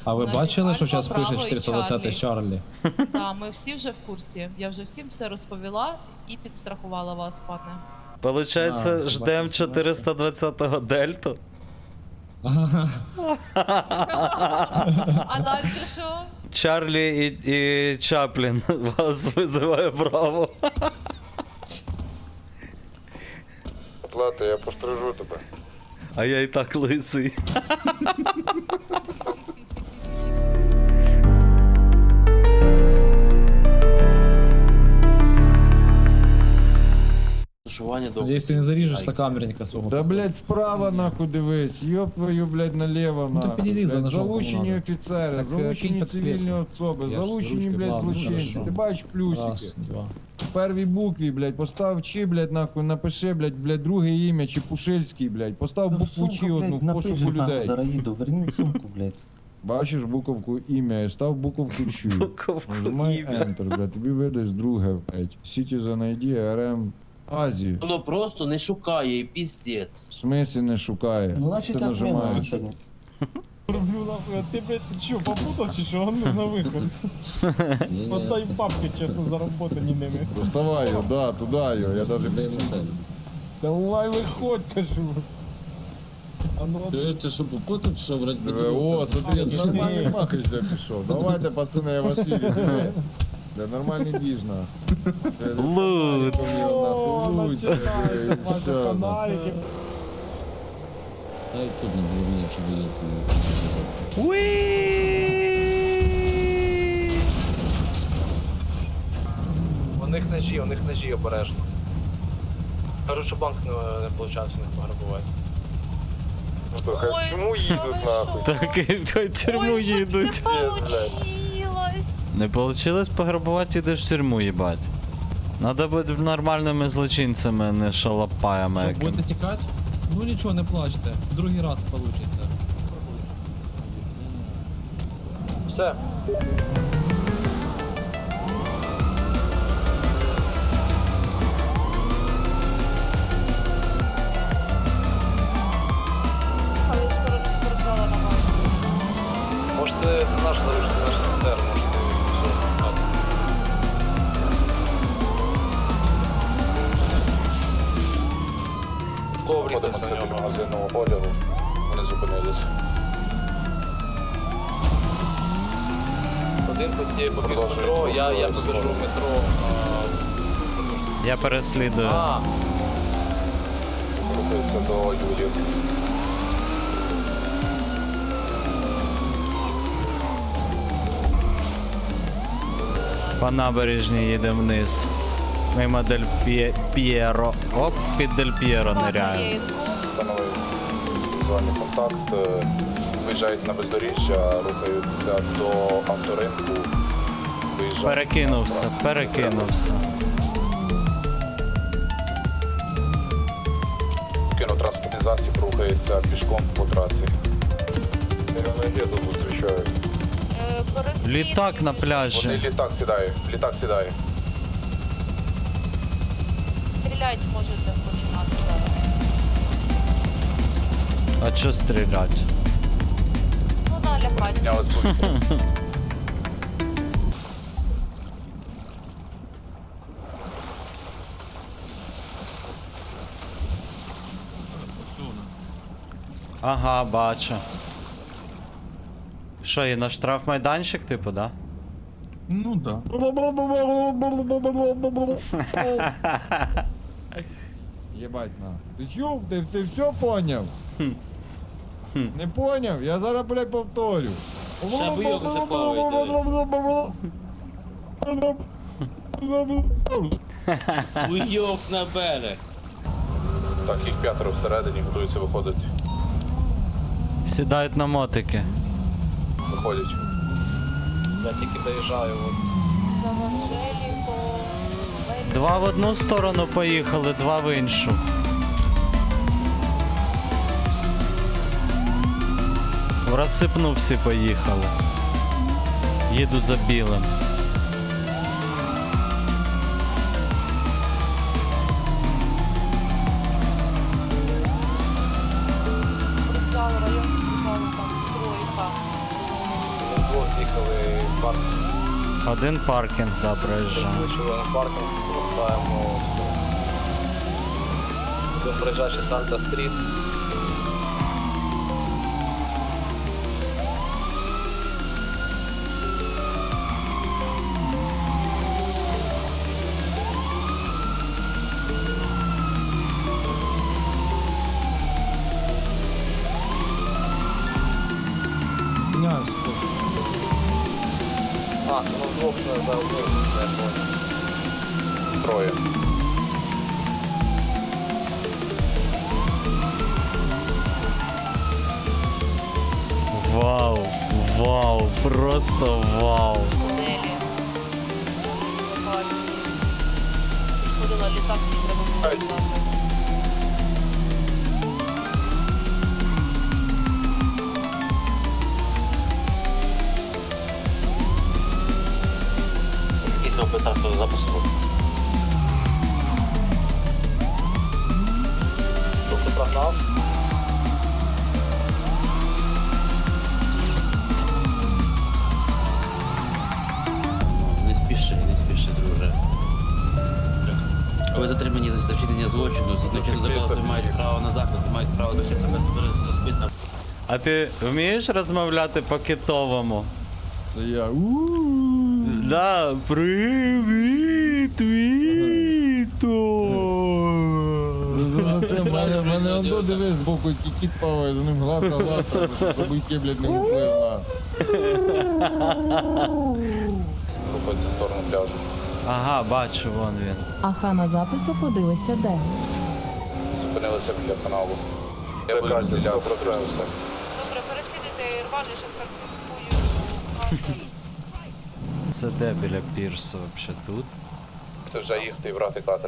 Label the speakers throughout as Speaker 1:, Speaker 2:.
Speaker 1: А ви
Speaker 2: У нас
Speaker 1: бачили,
Speaker 2: є
Speaker 1: що
Speaker 2: Альфа,
Speaker 1: зараз пише
Speaker 2: Браво і
Speaker 1: 420 Чарлі?
Speaker 2: Так, ми всі вже в курсі. Я вже всім все розповіла і підстрахувала вас, пане.
Speaker 3: Получається,
Speaker 1: А,
Speaker 3: ждем
Speaker 1: собака,
Speaker 3: 420-го дельту.
Speaker 2: А далі що?
Speaker 3: Чарлі і Чаплін вас визиває Браво.
Speaker 4: Плата, я пострижу тебе.
Speaker 3: А я і так лисий.
Speaker 1: Надіюсь, ти не заріжеш сокамерника свого.
Speaker 5: Да, блядь, справа нахуй дивись, ёб твою, блядь, налево
Speaker 1: Ну, ти
Speaker 5: нахуй.
Speaker 1: підійди за
Speaker 5: Блядь,
Speaker 1: ножом,
Speaker 5: залучені
Speaker 1: кому надо.
Speaker 5: офіцери,
Speaker 1: Так,
Speaker 5: залучені
Speaker 1: кинь
Speaker 5: цивільні
Speaker 1: підкріпку.
Speaker 5: особи,
Speaker 1: Я ж
Speaker 5: залучені,
Speaker 1: ручки,
Speaker 5: блядь,
Speaker 1: ладно,
Speaker 5: злочинці.
Speaker 1: хорошо.
Speaker 5: Ти бачиш плюсики.
Speaker 1: Раз, два.
Speaker 5: В первій букві, блядь, постав чи, блядь, нахуй, напиши, блядь, друге ім'я, чи Пушильський, блядь. Постав букву чи одну в пошуку людей.
Speaker 6: Зараз їду, верни сумку, блядь.
Speaker 5: Бачиш буковку ім'я і став буковку чу.
Speaker 3: Буковку
Speaker 5: Нажимай
Speaker 3: ім'я.
Speaker 5: Enter, блядь, тобі видасть друге, блядь. Citizen ID, RM, Азію.
Speaker 7: Воно просто не шукає і піздець.
Speaker 5: В смислі не шукає.
Speaker 6: Ну, значить,
Speaker 5: Ти
Speaker 6: так
Speaker 5: нажимаєш.
Speaker 6: минуло сьогодні.
Speaker 8: Роблю нахуй, а ти, блядь, ти що, попутав чи що? Ну, на виход. Отдай бабки, чесно, заработані ними.
Speaker 5: Доставай його, да, туди його, я даже
Speaker 8: Давай виходь, кажу. А ну,
Speaker 9: Ти що попутав, що вроді би
Speaker 5: О, смотри,
Speaker 8: Ні.
Speaker 5: нормальний махач де пішов. Давайте, пацани, я Василій. Да нормальний діжна.
Speaker 3: Лут.
Speaker 8: о, починається ваші фонарики.
Speaker 9: Ай, тут не було мені, щоб я
Speaker 1: У них ножі обережно. Кажуть, що банк не виходить у них пограбувати.
Speaker 2: Ой,
Speaker 4: Чому їдуть нахуй?
Speaker 3: Так, і в тюрму їдуть. Не получилось пограбувати, ідеш в тюрму, їбать. Надо бути нормальними злочинцями, а не шалопаями
Speaker 1: Що,
Speaker 3: якими.
Speaker 1: будете тікати? Ну нічого, не плачте. Другий раз вийде. Все. Можете наш залишити, наш СТР, можете все.
Speaker 4: Ходимо це до магазинного одягу. Вони зупинилися.
Speaker 1: Один побіг в метро, я побіжу в метро.
Speaker 3: Я переслідую.
Speaker 4: Рухаються до Юлів.
Speaker 3: По набережній їдемо вниз. Мимо Дель П'єро. Оп, під Дель П'єро ниряємо.
Speaker 4: Встановив візуальний контакт. Виїжджають на бездоріжжя, рухаються до авторинку. Виїжджають
Speaker 3: Перекинувся,
Speaker 4: направо.
Speaker 3: перекинувся.
Speaker 4: Кінотранспортний засіб рухається пішком по трасі. Енергету зустрічають.
Speaker 3: Літак на
Speaker 4: Вони
Speaker 3: пляжі.
Speaker 4: літак сідає, літак сідає.
Speaker 2: Стріляти можете починати зараз.
Speaker 3: А чо стрілять?
Speaker 2: Ну да, лягайте.
Speaker 4: Піднялись повітря.
Speaker 3: Ага, бачу. Що, є на штрафмайданчик, типу, да?
Speaker 8: Ну да.
Speaker 5: Єбать на. Ти чув? Ти все поняв? Не поняв? Я зараз, блядь, повторю.
Speaker 7: Уйоб на берег.
Speaker 4: Так, їх п'ятеро всередині, готуються виходити.
Speaker 3: Сідають на мотики.
Speaker 4: Виходять.
Speaker 1: Я тільки доїжджаю.
Speaker 2: За Анжеліко.
Speaker 3: Два в одну сторону поїхали, два в іншу. В розсипну всі поїхали. Їду за білим.
Speaker 2: Спортзал, район спортзалу, там стройка.
Speaker 1: З'їхали в парк,
Speaker 3: Один паркінг, да, проїжджає.
Speaker 1: вийшли на паркінг, повертаємо. Будемо проїжджати Санта-стріт.
Speaker 5: Спиняюся, хлопці.
Speaker 1: А, ну вдвох не за одним, не понял.
Speaker 4: Троє.
Speaker 3: Вау, вау, просто вау.
Speaker 2: Моделі. Сходила літак, мені треба було літати.
Speaker 7: Якийсь оператор запуску.
Speaker 1: Тобто прогнав.
Speaker 7: Не спіши, друже. Ви затримані за вчинення злочину, згідно чинного законодавства мають право на захист, мають право захистити себе особисто.
Speaker 3: А ти вмієш розмовляти по-китовому?
Speaker 5: Це я.
Speaker 3: Да, привіт, Віто.
Speaker 5: Мене ондо дивись збоку, який кіт плаває, за ним глаз на глаз, щоб буйки, блядь, не вплив на.
Speaker 4: Виходить в сторону пляжу.
Speaker 3: Ага, бачу, вон він.
Speaker 10: Аха на запису подивися де.
Speaker 4: Зупинилися біля каналу. Я буду стріляв, прокрився.
Speaker 2: Добре, переслідуйте Ірван, я щас картинкую.
Speaker 3: Це де біля пірсу вообще тут?
Speaker 4: Хто вже їхати і брати катер.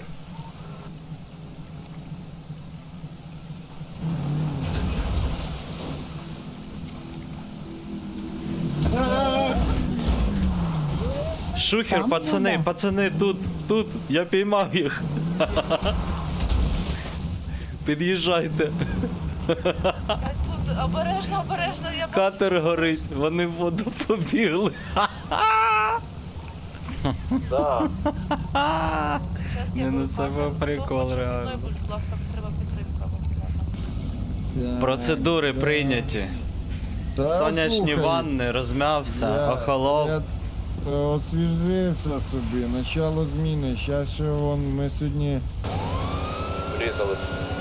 Speaker 3: Шухер,
Speaker 10: Там
Speaker 3: пацани,
Speaker 10: вода.
Speaker 3: пацани, тут, я піймав їх. Під'їжджайте.
Speaker 2: Тут обережно, я
Speaker 3: Катер горить, вони в воду побігли.
Speaker 1: Да.
Speaker 3: Не, ну це був прикол, реально.
Speaker 2: Будь ласка, треба підтримка.
Speaker 3: Процедури прийняті.
Speaker 5: Та,
Speaker 3: Сонячні
Speaker 5: слухай,
Speaker 3: ванни, розм'явся, охолов.
Speaker 5: Я освіжився собі, начало зміни. Щас ще вон, ми сьогодні...
Speaker 4: Врізали.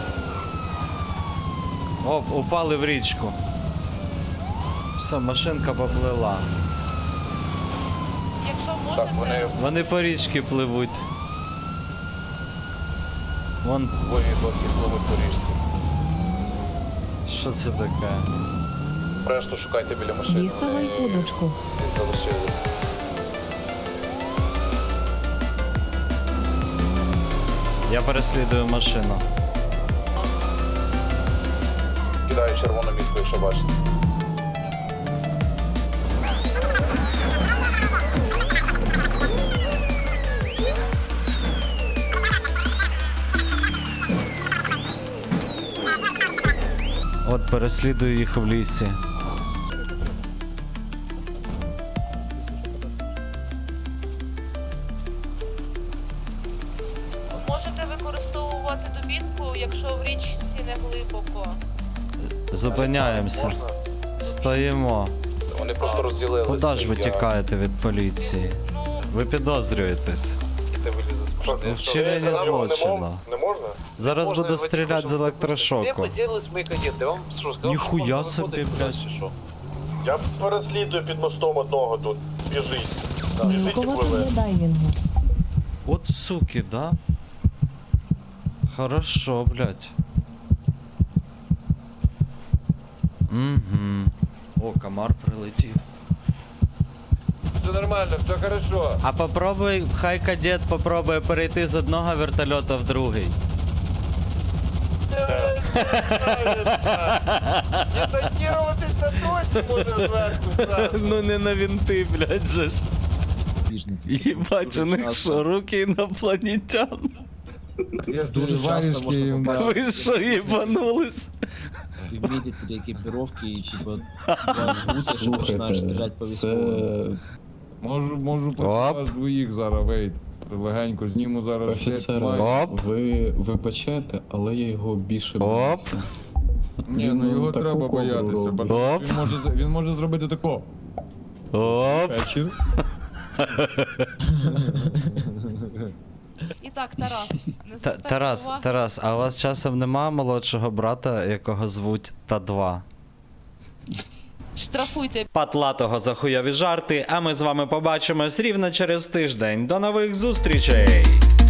Speaker 3: Оп, упали в річку. Все, машинка поплила.
Speaker 2: Якщо
Speaker 4: Так,
Speaker 2: можете,
Speaker 3: Вони по річці пливуть. Вон,
Speaker 4: двоє досі пливуть по річці.
Speaker 3: що це таке?
Speaker 4: Решту шукайте біля машини.
Speaker 10: Діставай удочку.
Speaker 4: Десь залишились.
Speaker 3: Я переслідую машину.
Speaker 4: Кидаю червону мітку, якщо бачите.
Speaker 3: От переслідую їх в лісі.
Speaker 2: можете використовувати дубінку, якщо в річці не глибоко.
Speaker 3: Зупиняємося.
Speaker 1: Можна?
Speaker 3: Стоїмо.
Speaker 4: Вони просто розділилися.
Speaker 3: Куди ж ви
Speaker 4: Я-
Speaker 3: тікаєте від поліції? Ви підозрюєтесь.
Speaker 1: Ти вилізе з машини.
Speaker 3: У вчиненні злочину.
Speaker 4: Не можна?
Speaker 3: Зараз
Speaker 1: Можна
Speaker 3: буду
Speaker 1: ви
Speaker 3: стріляти
Speaker 1: тільки
Speaker 3: з
Speaker 1: що
Speaker 3: електрошоку.
Speaker 1: Де поділись мої кадети? Вам що, сказав,
Speaker 3: Ніхуя
Speaker 1: що можна
Speaker 3: собі,
Speaker 1: виходити
Speaker 3: блядь.
Speaker 1: кудись, чи що?
Speaker 4: Я переслідую під мостом одного тут. Біжить.
Speaker 10: Мілкувати для дайвінгу.
Speaker 3: От суки, да? Хорошо, блядь. Угу. О, комар прилетів.
Speaker 1: Все нормально, все хорошо.
Speaker 3: А попробуй, хай кадет попробує перейти з одного вертольота в другий.
Speaker 1: Дезонтуватися точно може зверху.
Speaker 3: Ну не на вінти, блядь, же ж. Їбать, у них що, руки інопланетян?
Speaker 5: Я ж
Speaker 9: Дуже часто можна
Speaker 5: варежки їм
Speaker 9: побачити.
Speaker 5: дав.
Speaker 3: Ви що, їбанулись?
Speaker 6: вміти три екіпіровки і типу два гуси, що починаєш стріляти по військовому.
Speaker 5: Можу проти вас двоїх зараз, вейт. Легенько зніму зараз.
Speaker 9: Офіцер,
Speaker 3: Оп.
Speaker 9: ви вибачаєте, але я його більше боюся.
Speaker 5: Ні, ну його
Speaker 9: таку
Speaker 5: треба
Speaker 9: кобру
Speaker 5: боятися,
Speaker 9: робить.
Speaker 5: бо
Speaker 3: Оп.
Speaker 5: він може зробити тако.
Speaker 3: Оп.
Speaker 5: Вечір.
Speaker 2: І так, Тарас, не звертайте
Speaker 3: Тарас,
Speaker 2: уваги.
Speaker 3: Тарас, а у вас часом нема молодшого брата, якого звуть Та-2?
Speaker 2: Штрафуйте
Speaker 3: Патлатого за хуйові жарти, а ми з вами побачимось рівно через тиждень. До нових зустрічей!